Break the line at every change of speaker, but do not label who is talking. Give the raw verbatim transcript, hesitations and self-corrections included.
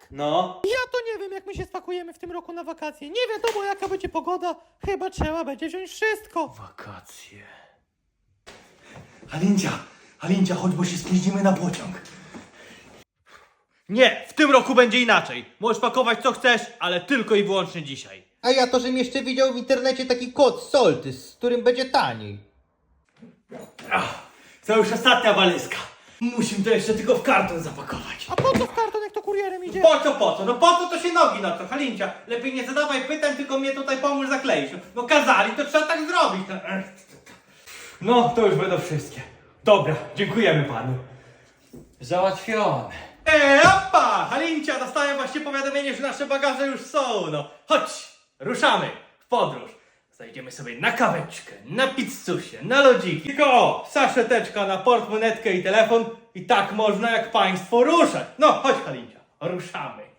No.
Ja to nie wiem, jak my się spakujemy w tym roku na wakacje. Nie wiadomo, jaka będzie pogoda. Chyba trzeba będzie wziąć wszystko.
Wakacje. Halincia, Halincia, chodź, bo się spóźnimy na pociąg. Nie, w tym roku będzie inaczej. Możesz pakować co chcesz, ale tylko i wyłącznie dzisiaj.
A ja to, żem jeszcze widział w internecie taki kod Soltys, z którym będzie taniej.
Ach, to już ostatnia walizka. Musimy to jeszcze tylko w karton zapakować.
A po co w karton, jak to kurierem idzie?
Po co, po co? No po co to się nogi na to, Halincia? Lepiej nie zadawaj pytań, tylko mnie tutaj pomóż zakleić. No kazali, to trzeba tak zrobić. No, ech. No, to już będą wszystkie. Dobra, dziękujemy panu.
Załatwione.
Eee, opa! Halincia, dostałem właśnie powiadomienie, że nasze bagaże już są, no. Chodź, ruszamy w podróż. Zajdziemy sobie na kaweczkę, na pizzusie, na lodziki. Tylko o, saszeteczka na portmonetkę i telefon i tak można jak państwo ruszać. No, chodź Halincia, ruszamy.